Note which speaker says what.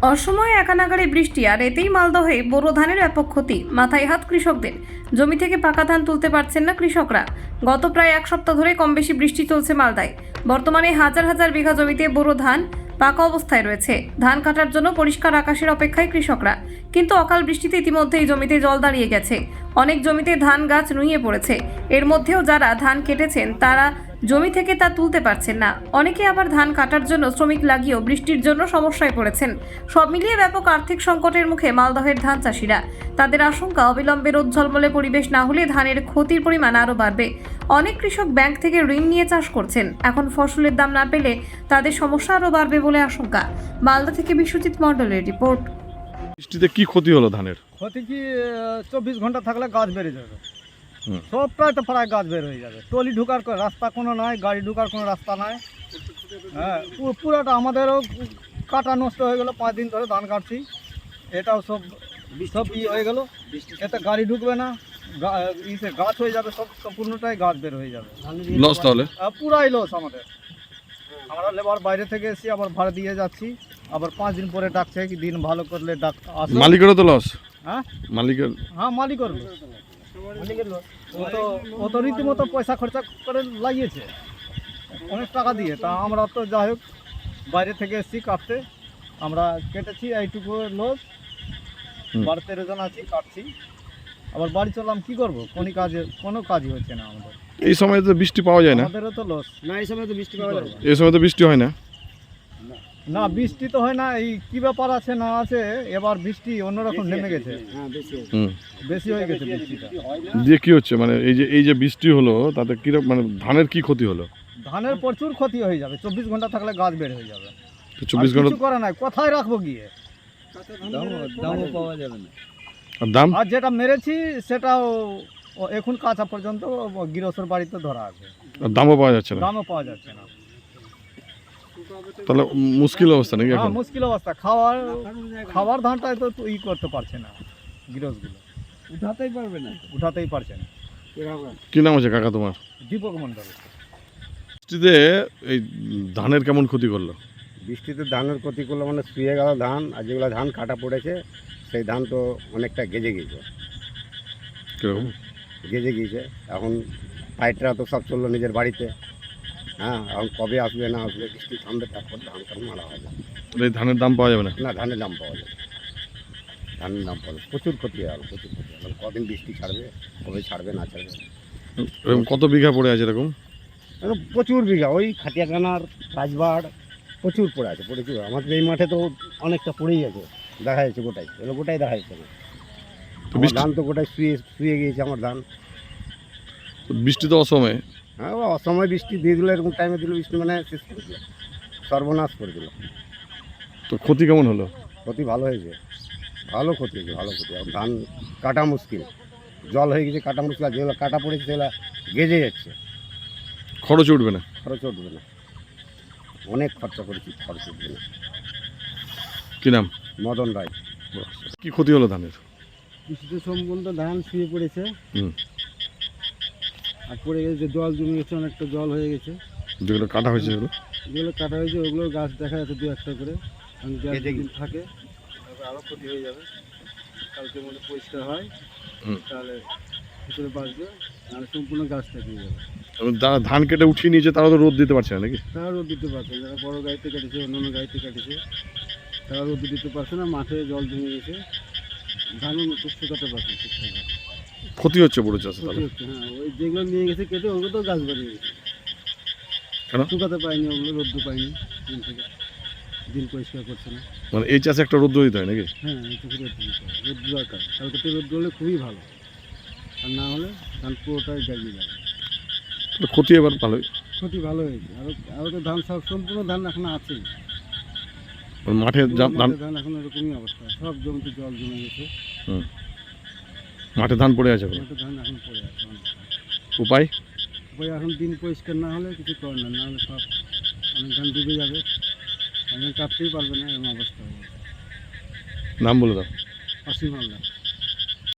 Speaker 1: অসময়ে একানাগারে বৃষ্টি আর এতেই মালদহে বোরো ধানের ব্যাপক ক্ষতি। মাথায় হাত কৃষকদের। জমি থেকে পাকা ধান তুলতে পারছেন না কৃষকরা। গত প্রায় এক সপ্তাহ ধরে কম বেশি বৃষ্টি চলছে মালদায়। বর্তমানে হাজার হাজার বিঘা জমিতে বোরো ধান পাকা অবস্থায় রয়েছে। ধান কাটার জন্য পরিষ্কার আকাশের অপেক্ষায় কৃষকরা, কিন্তু অকাল বৃষ্টিতে ইতিমধ্যেই জমিতে জল দাঁড়িয়ে গেছে। অনেক জমিতে ধান গাছ নুয়ে পড়েছে। এর মধ্যেও যারা ধান কেটেছেন তারা জমি থেকে তা তুলতে পারছেন না। অনেকে আবার ধান কাটার জন্য শ্রমিক লাগিয়েও বৃষ্টির জন্য সমস্যায় পড়েছেন। সব মিলিয়ে ব্যাপক আর্থিক সংকটের মুখে মালদহের ধান চাষিরা। তাদের আশঙ্কা, অবিলম্বে রোদ ঝলমলে পরিবেশ না হলে ধানের ক্ষতির পরিমাণ আরও বাড়বে। অনেক কৃষক ব্যাংক থেকে ঋণ নিয়ে চাষ করছেন। এখন ফসলের দাম না পেলে তাদের সমস্যা আরও বাড়বে বলে আশঙ্কা। মালদা থেকে বিশ্বজিৎ মণ্ডলের রিপোর্ট।
Speaker 2: বৃষ্টিতে কি ক্ষতি হলো ধানের?
Speaker 3: ক্ষতি কি 24 ঘন্টা থাকলে গাছ বেড়ে যাবে। সব প্রায় গাছ বের হয়ে যাবে। টলি ঢুকার রাস্তা কোনো নাই, গাড়ি ঢুকার কোনো রাস্তা নাই। হ্যাঁ, পুরাটা আমাদেরও কাটা নষ্ট হয়ে গেল। 5 দিন ধরে ধান কাটছি, এটাও সব হয়ে গেল। এতে গাড়ি ঢুকবে না, গাছ হয়ে যাবে, সব সম্পূর্ণটাই গাছ বের হয়ে যাবে।
Speaker 2: লস তাহলে
Speaker 3: পুরাই লস আমাদের। আমরা লেবার বাইরে থেকে এসে আবার ভাড়া দিয়ে যাচ্ছি, আবার 5 দিন পরে ডাকছে কি দিন ভালো করলে আসো।
Speaker 2: মালিকেরও তো লস।
Speaker 3: হ্যাঁ, মালিকের লস। ও তো রীতিমতো পয়সা খরচা করে লাগিয়েছে অনেক টাকা দিয়ে। তা আমরা তো যাই হোক বাইরে থেকে এসেছি কাটতে, আমরা কেটেছি এইটুকু লস। 12-13 জন আছি, কাটছি, আবার বাড়ি চললাম। কি করবো, কোনো কাজই হচ্ছে না আমাদের।
Speaker 2: এই সময় তো বৃষ্টি পাওয়া যায় না।
Speaker 3: আমাদেরও তো লস না, এই সময় তো বৃষ্টি পাওয়া যায় না।
Speaker 2: এই সময় তো বৃষ্টি হয় না।
Speaker 3: না, বৃষ্টি তো হয় না। এই কি ব্যাপার আছে না আছে, এবার বৃষ্টি অন্যরকম নেমে গেছে। বেশি হয়ে গেছে বৃষ্টিটা।
Speaker 2: দিয়ে কি হচ্ছে, মানে এই যে বৃষ্টি হলো তাতে কি মানে ধানের কি ক্ষতি হলো?
Speaker 3: ধানের প্রচুর ক্ষতি হয়ে যাবে। 24 ঘন্টা থাকলে গাছ বের হয়ে যাবে।
Speaker 2: 24 ঘন্টা
Speaker 3: কিছু করা নাই, কোথায় রাখবো গিয়ে? দামও পাওয়া যাবে না।
Speaker 2: আর দাম?
Speaker 3: আর যেটা মেরেছি সেটাও এখন কাঁচা পর্যন্ত গৃহস্থর বাড়িতে ধরা আছে।
Speaker 2: আর দামও পাওয়া যাচ্ছে না।
Speaker 3: দামও পাওয়া যাচ্ছে না।
Speaker 2: তাহলে মুশকিল অবস্থা নাকি এখন?
Speaker 3: মুশকিল অবস্থা। খাবার ধানটাই তো করতে পারছে না গৃহস্থগুলো, উঠাতেই পারছে না।
Speaker 2: কি নাম আছে কাকা তোমার?
Speaker 3: দীপক মণ্ডল।
Speaker 2: বৃষ্টিতে এই ধানের কেমন ক্ষতি করলো?
Speaker 4: বৃষ্টিতে ধানের ক্ষতি করলো মানে শুয়ে গেল ধান, আর যেগুলো ধান কাটা পড়েছে সেই ধান তো অনেকটা গেজে গিয়েছে।
Speaker 2: কিরকম
Speaker 4: গেজে গিয়েছে। এখন পাইটরা তো সব চললো নিজের বাড়িতে। হ্যাঁ, এখন কবে আসবে না আসবে, বৃষ্টি থামবে, তারপর ধান টান মারা হবে।
Speaker 2: এই ধানের দাম পাওয়া যাবে না?
Speaker 4: না, ধানের দাম পাওয়া যাবে, ধানের দাম পাওয়া যাবে। প্রচুর ক্ষতি হয়ে গেল, প্রচুর ক্ষতি হয়ে গেল। কদিন বৃষ্টি ছাড়বে, কবে ছাড়বে না ছাড়বে।
Speaker 2: এরকম কত বিঘা পড়ে আছে এরকম?
Speaker 4: প্রচুর বিঘা, ওই খাটিয়াখানার রাজবাড় প্রচুর পড়ে আছে, প্রচুর। আমাদের এই মাঠে তো অনেকটা পড়েই আছে, দেখা যাচ্ছে গোটাই, এগুলো গোটাই দেখা যাচ্ছে না। ধান তো গোটাই শুয়ে গিয়েছে আমার ধান।
Speaker 2: বৃষ্টি তো অসময়ে।
Speaker 4: হ্যাঁ, অসময় বৃষ্টি দিয়ে দিল, এরকম টাইমে দিল বৃষ্টি, মানে শেষ করে দিল, সর্বনাশ করে দিল।
Speaker 2: তো ক্ষতি কেমন হলো?
Speaker 4: ক্ষতি ভালো হয়েছে, ভালো ক্ষতি হয়েছে, ভালো ক্ষতি। এখন ধান কাটা মুশকিল, জল হয়ে গেছে, কাটা মুশকিল। আর যেগুলো কাটা পড়েছে সেগুলো গেজে যাচ্ছে।
Speaker 2: খরচ উঠবে না?
Speaker 4: খরচ উঠবে না, অনেক খরচা করেছি, খরচ উঠবে না।
Speaker 2: কি নাম?
Speaker 4: মদন রায়।
Speaker 2: কি ক্ষতি হলো ধানের?
Speaker 3: বৃষ্টিতে সম্পূর্ণ ধান শুয়ে পড়েছে।
Speaker 2: হুম।
Speaker 3: আর পড়ে গেছে, জল জমে গেছে, অনেকটা জল হয়ে গেছে।
Speaker 2: যেগুলো কাটা হয়েছে সেগুলো?
Speaker 3: যেগুলো কাটা হয়েছে ওগুলো গাছ দেখা যাচ্ছে 2-1টা করে। যেদিন থাকে আরও ক্ষতি হয়ে যাবে। কালকের মধ্যে পরিষ্কার হয় তাহলে ভিতরে বাঁচবে, আর সম্পূর্ণ গাছটা পেয়ে যাবে।
Speaker 2: যারা ধান কেটে উঠিয়ে নিয়েছে তারা তো রোদ দিতে পারছে না নাকি?
Speaker 3: তারা রোদ দিতে পারছে না। যারা বড় গাড়িতে কাটেছে, অন্যান্য গাড়িতে কাটেছে, তারা রোদ দিতে পারছে না। মাঠে জল জমে গেছে, ধানও শুকাতে পারছে না ঠিকঠাক।
Speaker 2: ক্ষতি হচ্ছে বড় চাষে
Speaker 3: ক্ষতি
Speaker 2: তাহলে?
Speaker 3: হচ্ছে। হ্যাঁ, ওই যেগুলো নিয়ে গেছে কেটে ওগুলো তো গাছ বাড়িয়ে গেছে।
Speaker 2: কেন?
Speaker 3: শুকাতে পায়নি, ওগুলো রোদ্দু পায়নি দিন থেকে, দিন পরিষ্কার করছে না।
Speaker 2: মানে এই চাষে একটা রোদ দিতে হয় নাকি?
Speaker 3: হ্যাঁ, এই চোখে রোদ দিতে হয়, রোদ দরকার। কালকে তো রোদ হলে খুবই ভালো, আর না হলে ধান পুরোটাই জাগিয়ে যাবে।
Speaker 2: ক্ষতি এবার ভালোই।
Speaker 3: ক্ষতি ভালো হয়েছে। আরও তো ধান সব সম্পূর্ণ ধান এখন আছেই।
Speaker 2: মাঠে
Speaker 3: ধান এখন এরকমই অবস্থা, সব জমিতে জল জমে গেছে।
Speaker 2: মাঠে ধান পড়ে আছে।
Speaker 3: মাঠে ধান এখন পড়ে আছে অনেকটা।
Speaker 2: উপায়
Speaker 3: এখন দিন পরিষ্কার না হলে কিছু করে না, নাহলে সব অনেক ধান ডুবে যাবে, এখন কাটতেই পারবে না, এরকম অবস্থা হবে।
Speaker 2: নাম বলে দাও।
Speaker 3: অসীম হালদার।